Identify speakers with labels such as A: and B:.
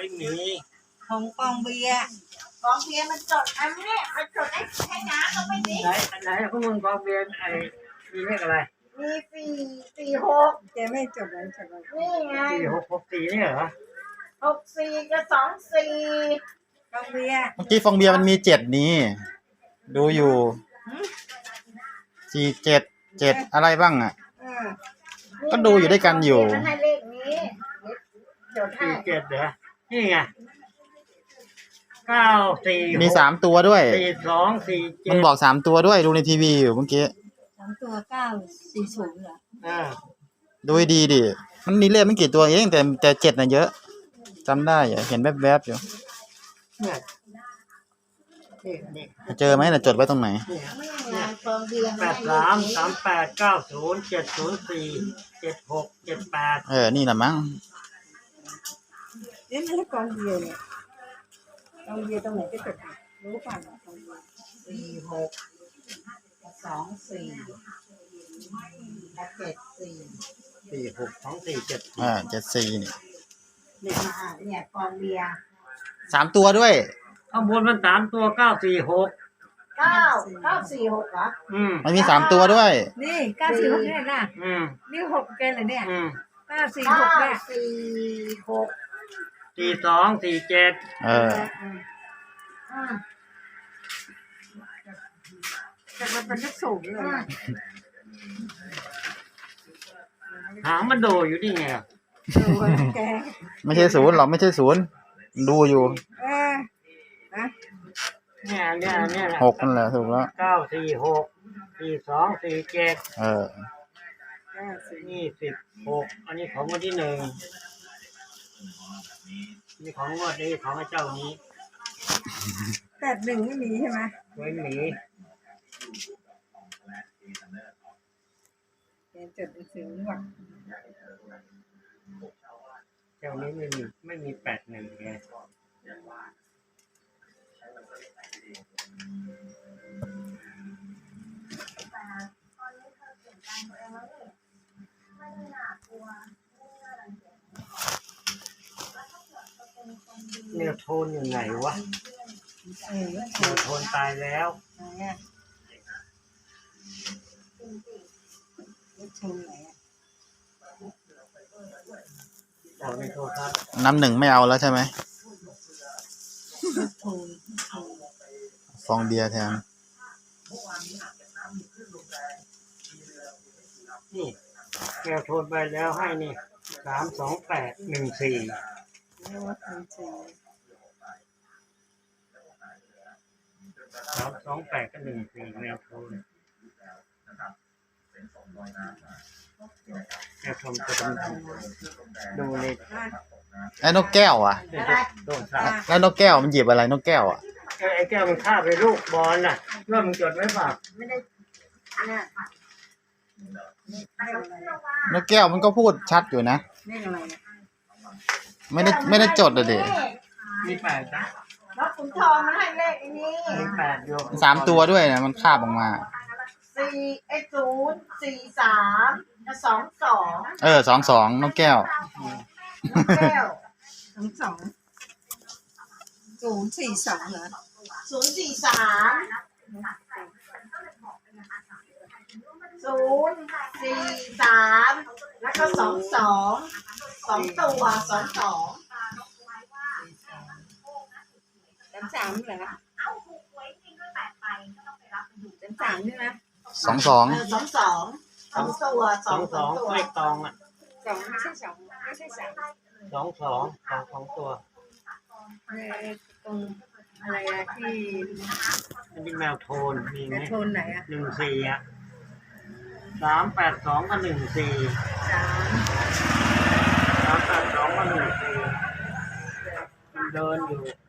A: ไม่มี
B: ของกองเบียร์มันจดอันนี้มันจดให้น้าเขาไปดิ
A: ไหนพวกมึงกองเบียนมีเลขอะไร
B: มี4 6แกไม่จดเลยนี่ไง
A: 4664นี่เหรอ
B: 64กับ24กองเบียร์
C: เมื่อกี้ฟองเบียร์มันมี7นี้ดูอยู่4 7 7อะไรบ้างอ่ะก็ดูอยู่ด้วยกันอยู่
B: มันให้เลขนี้จดให้
A: 47เหรอนี่ไง94
C: มี3ตัวด้วย
A: 4247
C: มันบอก3ตัวด้วยดูในทีวีอยู่เมื่อกี้
B: 3ตัว940เหรอ
C: ดูดีดิมันมีเลขไม่กี่ตัวเองแต่7น่ะเยอะจำได้เห็นแวบๆอยู่เจอไหมน่ะจดไว้ตรงไหน
A: 83907047047678
C: นี่แหละมั้ง
B: นี่มันกองเบียร์เนี่ยกองเบียร์ตรงไหนจะจดรู้ป่ะกองเบียร์
C: 462474นี่
B: เนี่ยกองเบียร์
C: 3ตัวด้วย
A: ข้างบนมัน3ตัว946
B: 946เหรอ
C: มันมี3ตัวด้วย
B: นี่946เนี่ยนะนี่6แกเลยเนี่ย946เนี่ย
A: 4247
B: แต่มันเป็นเลขสูงเลย
A: หางมันโดอยู่นี่ไง
C: ไม่ใช่0หรอกไม่ใช่0ดูอยู่
A: เนี่ย
C: 6นั่นแหละถูกแล้ว
A: 9464247นี่16อันนี้ของวันที่1นี่ของงวดนี้ของเจ้านี้
B: 81ไม่มีใช่ไหม
A: ไม่มี
B: จดถึงว่า
A: เจ้านี้ไม่มี81ไงเนี่ยโทนอยู่ไหนวะเนี่ยโทนตายแล้ว
C: น้ำหนึ่งไม่เอาแล้วใช่ไหมฟองเบียร์แทน
A: นี่แกโทนไปแล้วให้นี่32814328กับ14แนวโทนแนวโทนจะดูนี่
C: ไอ้นกแก้วอ่ะแล้วนกแก้วมันหยิบอะไรนกแก้วอ่ะ
A: ไอ้แก้วมันคาบไปลูกบอลน่ะว่ามึงจดไว้ป่ะไม่ได้
C: นกแก้วมันก็พูดชัดอยู่นะไม่ได้จดเลย
A: มี8นะ
B: แล้วขุนทองมันให้เลขนี้
A: มี8อยู่
C: 3ตัวด้วยนะมันคาบออกมา
B: 043
C: 22นกแก้ว
B: 042เหรอ043แล้วก็2ตัว33เหรอ33ใช่ไหม
C: 22
A: เลขตองอ่ะ
B: 2ไม่ใช่3
A: 22ตัว
B: ตรงอะไรที่
A: มันเป็นแมวโทนมีไหม
B: โทนไหน
A: 14382กับ14 382กับ14มันเดินอยู่